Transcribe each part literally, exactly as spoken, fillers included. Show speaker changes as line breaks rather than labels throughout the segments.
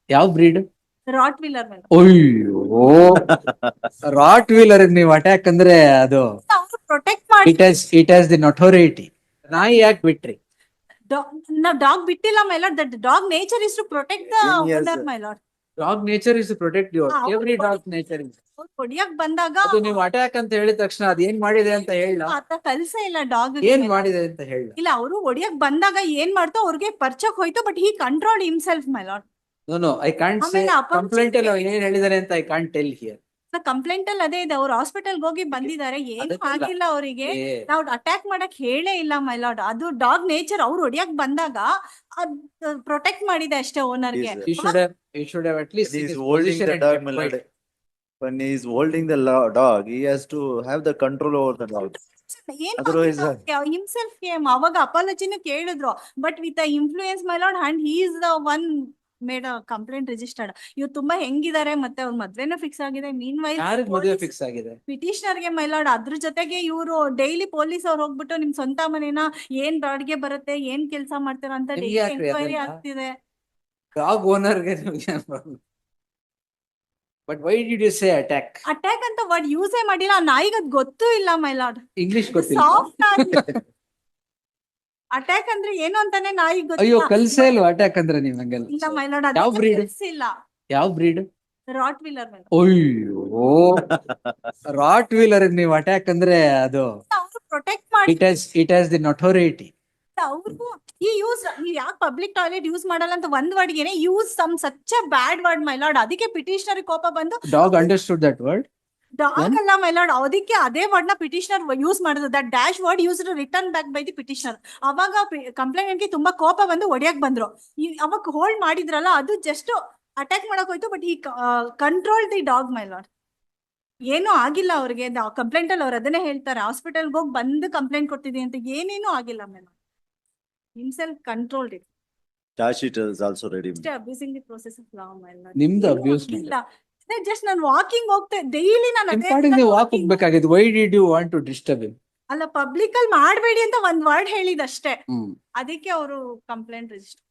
ಯಾವ bread?
Rot wheeler ಮೇಲೆ
ಅಯ್ಯೋ ರಾಟ್ ವೀಲರ್ ನೀವು ಅಟ್ಯಾಕ್ ಅಂದ್ರೆ ಅದು
ಪ್ರೊಟೆಕ್ಟ್ ಮಾಡಿ
it has it has the ನೊಟೋರಿಟಿ. ನಾಯಿ ಯಾಕೆ ಬಿಟ್ರಿ?
ನಾವು ಡಾಗ್ ಬಿಟ್ಟಿಲ್ಲ my lord. That dog nature is to protect the owner my lord.
Dog nature is to protect your every dog nature is.
ಹೊಡಿಯಕ್ ಬಂದಾಗ
ಅದು ನೀವು ಅಟ್ಯಾಕ್ ಅಂತ ಹೇಳಿದ ತಕ್ಷಣ ಅದ್ ಏನ್ ಮಾಡಿದೆ ಅಂತ ಹೇಳ.
ಆತ ಕಲ್ಸ ಇಲ್ಲ ಡಾಗ್
ಏನ್ ಮಾಡಿದೆ ಅಂತ ಹೇಳ.
ಇಲ್ಲ ಅವರು ಹೊಡಿಯಕ್ ಬಂದಾಗ ಏನ್ ಮಾಡ್ತೋ ಅವ್ರಿಗೆ ಪರ್ಚಕ್ ಹೋಯ್ತು. But he control himself my lord.
No no I can't say complaint ಅಲ್ಲಿ ಏನ್ ಹೇಳಿದಾರೆ ಅಂತ I can't tell here.
Complaint ಅಲ್ಲಿ ಅದೇ ಇದೆ. ಅವ್ರು ಹಾಸ್ಪಿಟಲ್ ಹೋಗಿ ಬಂದಿದ್ದಾರೆ. ಏನು ಆಗಿಲ್ಲ ಅವರಿಗೆ. ನಾವು ಅಟ್ಯಾಕ್ ಮಾಡಕ್ ಹೇಳೇ ಇಲ್ಲ ಮೈ ಲಾರ್ಡ್. ಅದು ಡಾಗ್ ನೇಚರ್. ಅವ್ರು ಹೊಡಿಯಕ್ ಬಂದಾಗ ಅದ್ ಪ್ರೊಟೆಕ್ಟ್ ಮಾಡಿದೆ ಅಷ್ಟೇ ಓನರ್ಗೆ.
You should have, you should have at least
He
seen
is
his
holding
position
the
and
dog,
kept
my
quiet.
lord. When he is holding the lo- dog, he has to have the control over the dog. Otherwise, uh,
himself came. ಅವಾಗ ಅಪಾಲಜಿನೂ ಕೇಳಿದ್ರು. But with influence my lord and he is the one made complaint registered. ಇವ್ರು ತುಂಬಾ ಹೆಂಗಿದ್ದಾರೆ. ಮತ್ತೆ ಅವ್ರ ಮದ್ವೆನೂ fix ಆಗಿದೆ. ಮೀನ್ while
ಯಾರಿಗ್ ಮದುವೆ ಫಿಕ್ಸ್ ಆಗಿದೆ?
ಪಿಟಿಷನರ್ ಗೆ ಮೈ ಲಾರ್ಡ್. ಅದ್ರ ಜೊತೆಗೆ ಇವರು ಡೈಲಿ ಪೊಲೀಸ್ ಅವ್ರು ಹೋಗ್ಬಿಟ್ಟು ನಿಮ್ ಸ್ವಂತ ಮನೇನ ಏನ್ ಬಾಡಿಗೆ ಬರುತ್ತೆ, ಏನ್ ಕೆಲಸ ಮಾಡ್ತೀರಾ ಅಂತ
ನಿಮ್ಗೆ
ಡೈಲಿ
ಯಾಕ್ರಿ
ಎಂಕ್ವೈರಿ
ಅದೆಲ್ಲ?
ಆಗ್ತಿದೆ.
ಡಾಗ್ ಓನರ್ ಗೆ but why did you say attack?
Attack ಅಂತ ವರ್ಡ್ ಯೂಸೇ ಮಾಡಿಲ್ಲ. ಆ ನಾಯಿಗೆ ಅದ್ ಗೊತ್ತೂ ಇಲ್ಲ ಮೈ ಲಾರ್ಡ್.
ಇಂಗ್ಲಿಷ್ ಗೊತ್ತಿಲ್ಲ.
ಸಾಫ್ಟ್ ಆಗಿ ಅಟ್ಯಾಕ್ ಅಂದ್ರೆ ಏನು ಅಂತಾನೆ ನಾಯಿಗೆ
ಅಯ್ಯೋ
ಗೊತ್ತಿಲ್ಲ.
ಕಲ್ಸೇ ಇಲ್ವಾ ಅಟ್ಯಾಕ್ ಅಂದ್ರೆ ನೀವ್ ಹಂಗೆಲ್ಲ?
ಇಲ್ಲ ಮೈ ಲಾರ್ಡ್.
ಯಾವ breed?
ಇಲ್ಲ
ಯಾವ ಬ್ರೀಡ್?
ರಾಟ್ ವೀಲರ್ ಮೇಲೆ
ಅಯ್ಯೋ ರಾಟ್ ವೀಲರ್ ನೀವು ಅಟ್ಯಾಕ್ ಅಂದ್ರೆ ಅದು
ಅವರು ಪ್ರೊಟೆಕ್ಟ್ ಮಾಡಿ
it has it has the ನೊಟೋರಿಟಿ.
ಅವ್ರಿಗೂ ಈ ಯೂಸ್ ನೀವ್ ಯಾಕೆ ಪಬ್ಲಿಕ್ ಟಾಯ್ಲೆಟ್ ಯೂಸ್ ಮಾಡಲ್ಲ ಅಂತ ಒಂದ್ ವರ್ಡ್ಗೆನೆ use some such a bad word my lord. ಅದಕ್ಕೆ ಪಿಟಿಷನರ್ ಕೋಪ ಬಂದು
dog understood that word.
Dog ಅಲ್ಲ ಮೈ ಲಾರ್ಡ್. ಅದಕ್ಕೆ ಅದೇ ವರ್ಡ್ ನ ಪಿಟಿಷನರ್ ಯೂಸ್ ಮಾಡಿದ್ರು. That dash word use return back by the petitioner. ಅವಾಗ ಕಂಪ್ಲೇಂಟ್ ಗೆ ತುಂಬಾ ಕೋಪ ಬಂದು ಹೊಡಿಯಕ್ ಬಂದ್ರು. ಅವಾಗ ಹೋಲ್ಡ್ ಮಾಡಿದ್ರಲ್ಲ ಅದು ಜಸ್ಟ್ ಅಟ್ಯಾಕ್ ಮಾಡಕ್ ಹೋಯ್ತು. ಬಟ್ ಈ control the dog my lord. ಏನೂ ಆಗಿಲ್ಲ ಅವ್ರಿಗೆ. ಕಂಪ್ಲೇಂಟ್ ಅಲ್ಲಿ ಅವ್ರು ಅದನ್ನೇ ಹೇಳ್ತಾರೆ. ಹಾಸ್ಪಿಟಲ್ಗೆ ಹೋಗಿ ಬಂದು ಕಂಪ್ಲೇಂಟ್ ಕೊಡ್ತಿದೀನಿ ಅಂತ. ಏನೇನು ಆಗಿಲ್ಲ my lord. himself controlled it.
charge sheet is also ready.
Just abusing the process of law my lord.
ನಿಮ್ದು ಅಬ್ಯೂಸ್
ಇಲ್ಲ ಜಸ್ಟ್ ನಾನು ವಾಕಿಂಗ್ ಹೋಗ್ತೆ ಡೈಲಿ ನಾನು
ನಿಮ್ ಪಾಡಿಗೆ ನೀವು ವಾಕ್ ಹೋಗ್ಬೇಕಾಗಿತ್ತು. Why did you want to disturb him?
ಅಲ್ಲ ಪಬ್ಲಿಕ್ ಅಲ್ಲಿ ಮಾಡಬೇಡಿ ಅಂತ ಒಂದ್ ವರ್ಡ್ ಹೇಳಿದಷ್ಟೇ.
ಹ್ಮ್
ಅದಕ್ಕೆ ಅವರು complaint register.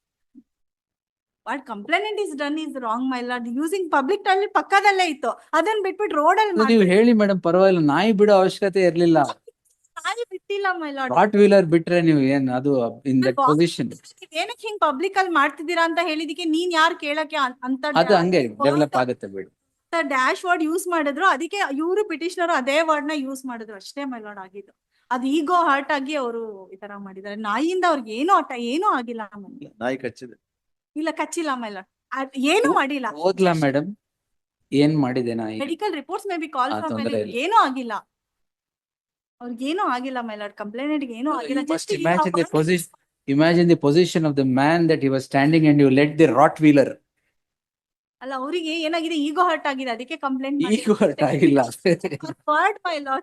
What complaint is done is wrong my lord. Using public toilet ಪಕ್ಕದಲ್ಲೇ ಇತ್ತು. ಅದನ್ನ ಬಿಟ್ಬಿಟ್ಟು ರೋಡ್ ಅಲ್ಲಿ
ನೀವು ಹೇಳಿ ಮೇಡಮ್ ಪರವಾಗಿಲ್ಲ. ನಾಯಿ ಬಿಡೋ ಅವಶ್ಯಕತೆ ಇರ್ಲಿಲ್ಲ.
ನಾಯಿ ಬಿಟ್ಟಿಲ್ಲ ಮೈ ಲಾರ್ಡ್.
ರಾಟ್ ವೀಲರ್ ಬಿಟ್ರೆ ನೀವು ಏನ್ ಅದು ಇನ್ ದಟ್ ಪೊಸಿಷನ್
ಏನಕ್ಕೆ ಹಿಂಗ್ ಪಬ್ಲಿಕ್ ಅಲ್ಲಿ ಮಾಡ್ತಿದ್ದೀರಾ ಅಂತ ಹೇಳಿದಕ್ಕೆ ನೀನ್ ಯಾರು ಕೇಳಕ್ಕೆ ಅಂತ
ಅದು ಹಂಗೆ ಡೆವಲಪ್ ಆಗುತ್ತೆ ಬಿಡಿ.
ಡ್ಯಾಶ್ ವರ್ಡ್ ಯೂಸ್ ಮಾಡಿದ್ರು. ಅದಕ್ಕೆ ಇವರು ಪಿಟಿಷನರ್ ಅದೇ ವರ್ಡ್ ನ ಯೂಸ್ ಮಾಡಿದ್ರು ಅಷ್ಟೇ ಮೈ ಲಾರ್ಡ್ ಆಗಿದ್ದು. ಅದು ಈಗೋ ಹರ್ಟ್ ಆಗಿ ಅವರು ಈ ತರ ಮಾಡಿದ್ದಾರೆ. ನಾಯಿಯಿಂದ ಅವ್ರಿಗೆ ಏನೂ ಆಟ ಏನೂ ಆಗಿಲ್ಲ.
ನಾಯಿ ಕಚ್ಚಿದೆ.
ಇಲ್ಲ ಕಚ್ಚಿಲ್ಲ ಮೈ ಲಾರ್ಡ್. ಏನು ಮಾಡಿಲ್ಲ.
ಹೋದ್ಲಾ ಮೇಡಮ್? ಏನ್ ಮಾಡಿದೆ ನಾಯಿ?
Medical reports may be call
ಆ,
ಫ್ರಮ್
ತೊಂದ್ರೆ ಇಲ್ಲ.
ಏನೂ ಆಗಿಲ್ಲ. ಅವ್ರಿಗೇನು ಆಗಿಲ್ಲ ಮೈ ಲಾರ್ಡ್. ಕಂಪ್ಲೇಂಟ್ ಏನೂ ಆಗಿಲ್ಲ.
You must imagine the position. Imagine the position of the man that he was standing and you let the rot wheeler.
ಅಲ್ಲ ಅವರಿಗೆ ಏನಾಗಿದೆ ಈಗೋ ಹರ್ಟ್ ಆಗಿದೆ. ಅದಕ್ಕೆ ಕಂಪ್ಲೇಂಟ್
ಈಗ ಹರ್ಟ್ ಆಗಿಲ್ಲ.
Word my lord.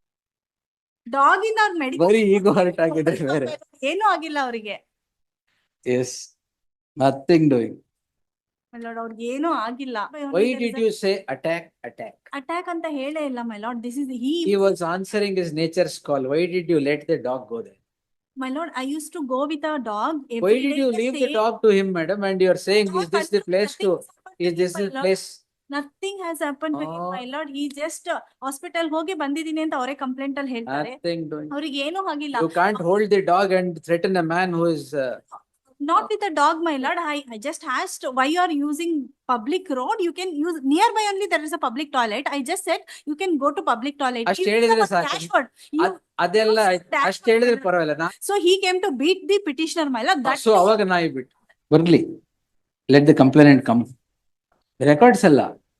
ಡಾಗ್ ಇಂದ ಅವ್ರ ಮೆಡಿಕಲ್
ಬರೀ ಈಗೋ ಹರ್ಟ್ ಆಗಿದೆ ಬೇರೆ.
ಏನೂ ಆಗಿಲ್ಲ ಅವರಿಗೆ.
Yes, nothing doing.
My lord ಅವ್ರಿಗೆ ಏನೂ ಆಗಿಲ್ಲ.
Why did you say attack attack?
Attack ಅಂತ ಹೇಳೇ ಇಲ್ಲ my lord. This is he
He was answering his nature's call. Why did you let the dog go there?
My lord, I used to go with a dog.
Why did you leave the dog to him, madam? And you are saying, is this the place to? Is this the place?
Nothing has happened to him, my lord. He just hospital ಹೋಗಿ ಬಂದಿದ್ದೀನಿ ಅಂತ ಅವರೇ complaint ಅಲ್ಲಿ ಹೇಳ್ತಾರೆ.
Nothing doing.
ಅವ್ರಿಗೆ ಏನೂ ಆಗಿಲ್ಲ.
You can't hold the dog and threaten a man who is. Uh,
Not with a dog, my lord. I, I just asked why you are using public road. You can use nearby only. There is a public toilet. I just said you can go to public toilet.
ಅಷ್ಟ್ ಹೇಳಿದ್ರೆ ಸಾಕು. ಅದ್- ಅದೆಲ್ಲ ಅಷ್ಟ್ ಹೇಳಿದ್ರೆ ಪರವಾಗಿಲ್ಲ.
So he came to beat the petitioner, my lord. That
so ಅವಾಗ ನಾಯಿ ಬಿಟ್ಟು ಬರ್ಲಿ. Let the complainant come. Records ಅಲ್ಲ.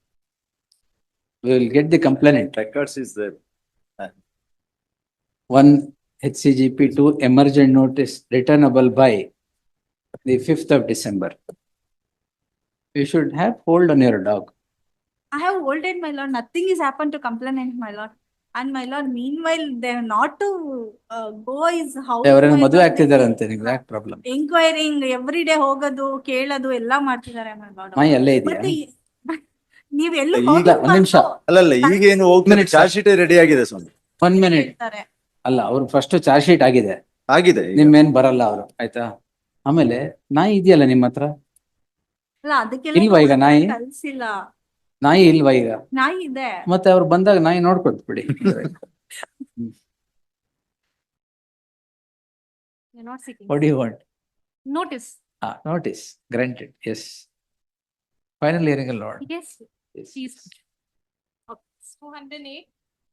We will get the complainant.
Records is there.
One H C G P two emergent notice returnable by the fifth of December. You should have hold on your dog.
I have holded, my lord. Nothing is happened to complainant, my lord. And my lord, meanwhile, they are not to uh, go is how.
ಅವರನ್ನು ಮದುವೆ ಆಗ್ತಿದಾರಂತೆ. ನಿಮ್ಗೆ ಯಾಕೆ problem?
ಎಂಕ್ವೈರಿಂಗ್ every day ಹೋಗೋದು ಕೇಳೋದು ಎಲ್ಲಾ ಮಾಡ್ತಿದ್ದಾರೆ my lord.
ನಾಯಿ ಅಲ್ಲೇ ಇದೆಯಾ?
ಮತ್ತೆ ಈ- ನೀವ್ ಎಲ್ಲೂ
ಈಗ
ಹೋಗಿಲ್ಲ
ಒಂದ್ ನಿಮಿಷ.
ಅಲ್ಲಲ್ಲ ಈಗೇನು ಹೋಗ್ತಾರೆ.
Minutes,
ಚಾರ್ಜ್ ಶೀಟ್ ರೆಡಿ ಆಗಿದೆ ಸ್ವಾಮಿ.
One minute.
ಹೇಳ್ತಾರೆ.
ಅಲ್ಲ ಅವ್ರು ಫಸ್ಟ್ ಚಾರ್ಜ್ ಶೀಟ್ ಆಗಿದೆ.
ಆಗಿದೆ ಈಗ.
ನಿಮ್ಮೇನ್ ಬರಲ್ಲ ಅವರು ಆಯ್ತಾ. ಆಮೇಲೆ ನಾಯಿ ಇದೆಯಲ್ಲ ನಿಮ್ಮ ಹತ್ರ.
ಅಲ್ಲ ಅದಕ್ಕೆಲ್ಲ
ಇಲ್ವಾ ಈಗ ನಾಯಿ?
ಕಲ್ಸಿಲ್ಲ.
ನಾಯಿ ಇಲ್ವಾ ಈಗ?
ನಾಯಿ ಇದೆ.
ಮತ್ತೆ ಅವ್ರು ಬಂದಾಗ ನಾಯಿ ನೋಡ್ಕೊತ್ ಬಿಡಿ.
You're not seeking.
What do you want?
Notice.
Ah, notice, granted, yes. Final hearing allowed.
Yes.
Yes.
Please. Two hundred eight.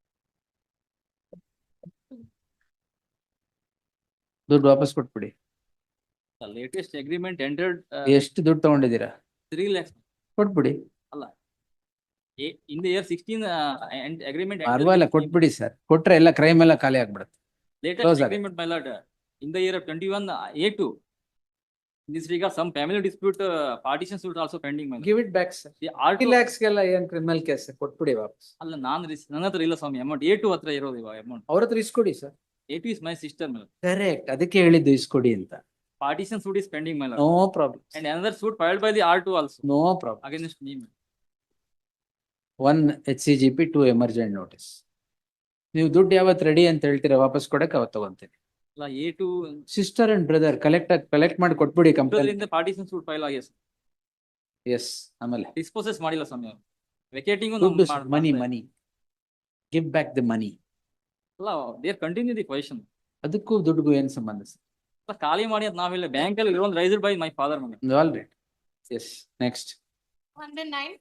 ದುಡ್ಡು ವಾಪಸ್ ಕೊಟ್ಬಿಡಿ.
The latest agreement entered uh,
ಎಷ್ಟು ದುಡ್ಡು ತಗೊಂಡಿದ್ದೀರಾ?
three lakhs.
ಕೊಟ್ಬಿಡಿ.
A- In the year sixteen, uh, and agreement. entered
ಪರವಾಗಿಲ್ಲ
with-
ಕೊಟ್ಬಿಡಿ sir. ಕೊಟ್ರೆ ಎಲ್ಲ ಕ್ರೈಮ್ ಎಲ್ಲ ಖಾಲಿ ಆಗ್ಬಿಡುತ್ತೆ.
Latest
close
agreement, my lord, uh, in the year of twenty-one, uh, A two. In this regard, some family dispute, uh, partition suit also pending, my lord.
Give it back sir.
The R
fifty
two,
lakhs ಗೆಲ್ಲ ಏನ್ criminal case ಕೊಟ್ಬಿಡಿ ವಾಪಸ್.
ಅಲ್ಲ ನಾನ್ ರಿಸ್- ನನ್ನ ಹತ್ರ ಇಲ್ಲ ಸ್ವಾಮಿ amount. A two ಹತ್ರ ಇರೋದು ಇವಾಗ ಅಮೌಂಟ್.
ಅವ್ರ ಹತ್ರ ಇಸ್ಕೊಡಿ sir.
A two is my sister, my lord.
Correct, ಅದಕ್ಕೆ ಹೇಳಿದ್ದು ಇಸ್ಕೊಡಿ ಅಂತ.
Partition suit is pending, my lord.
No problem.
And another suit filed by the R two also
no problem.
against me. my lord.
One H C G P to emergent notice. ನೀವು ದುಡ್ಡು ಯಾವತ್ತು ready ಅಂತ ಹೇಳ್ತೀರಾ ವಾಪಸ್ ಕೊಡಕ್ಕೆ ಅವತ್ತು ತಗೊಂತೀನಿ.
ಅಲ್ಲ A two,
sister and brother collect collect ಮಾಡಿ ಕೊಟ್ಬಿಡಿ ಕಂಪ್ಲೇಂಟ್.
ಇದರಿಂದ partition suit file ಆಗಿದೆ.
ಎಸ್, ಆಮೇಲೆ
Disposes ಮಾಡಿಲ್ಲ ಸ್ವಾಮಿ ಅವರು. Vacating
ದುಡ್ಡು money money give back the money.
ಅಲ್ಲ, they continue the question.
ಅದಕ್ಕೂ ದುಡ್ಡುಗೂ ಏನ್ ಸಂಬಂಧ ಸರ್?
ಅಲ್ಲ, ಖಾಲಿ ಮಾಡಿ ಅಂತ ನಾವಿಲ್ಲ, ಬ್ಯಾಂಕ್ ಅಲ್ಲಿ loan raised by my father. ಮನೆ
all right, yes, next.
Two hundred nine.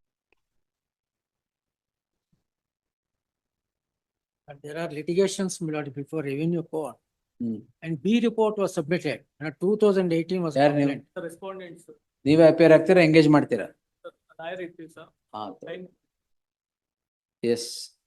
But there are litigations, my lord, before revenue court.
Hmm.
And B report was submitted, and two thousand eighteen was
ಯಾರು ನೀವು?
complaint.
Respondents
ನೀವೇ appear ಆಗ್ತೀರಾ, engage ಮಾಡ್ತೀರಾ?
Lawyer ಇರ್ತೀವಿ sir.
Yes.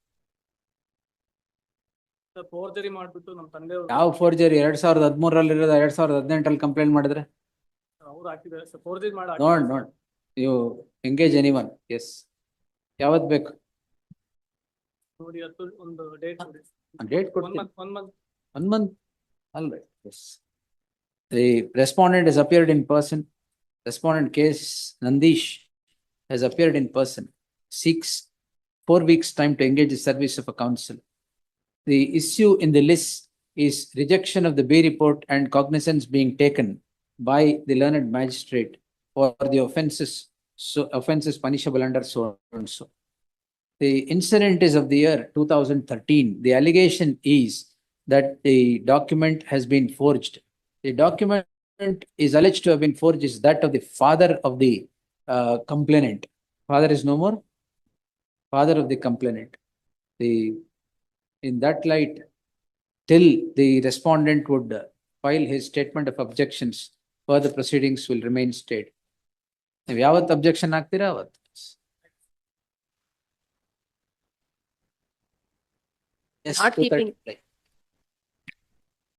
Forgery ಮಾಡ್ಬಿಟ್ಟು ನಮ್ಮ ತಂದೆ
ಯಾವ ಫೋರ್ಜರಿ? ಎರಡ್ ಸಾವಿರದ ಹದಿಮೂರಲ್ಲಿ ಇರೋದು ಎರಡ್ ಸಾವಿರದ ಹದಿನೆಂಟರಲ್ಲಿ ಕಂಪ್ಲೇಂಟ್ ಮಾಡಿದ್ರೆ
ಅವ್ರು ಹಾಕಿದ್ದಾರೆ ಸರ್. ಫೋರ್ಜರಿ ಮಾಡಿ
ನೋಡ್ ನೋಡ್ ಯು ಎಂಗೇಜ್ ಎನಿವನ್. ಎಸ್, ಯಾವತ್ ಬೇಕು?
ನೋಡಿ, ಅದು ಒಂದು ಡೇಟ್
ಡೇಟ್
ಒನ್
ಕೊಡ್ತೀನಿ.
Month one month
One month, all right, yes. The respondent has appeared in person. Respondent case Nandish has appeared in person. Seeks four weeks time to engage the service of a counsel. The issue in the list is rejection of the B report and cognizance being taken by the learned magistrate for the offences, so offences punishable under so and so. The incident is of the year two thousand thirteen. The allegation is that the document has been forged. The document is alleged to have been forged is that of the father of the uh, complainant. Father is no more. Father of the complainant. The, in that light, till the respondent would uh, file his statement of objections, further proceedings will remain stayed. If yavat objection ಆಗ್ತೀರಾ ಅವತ್ತು. Yes,
Not
two thirty.
keeping-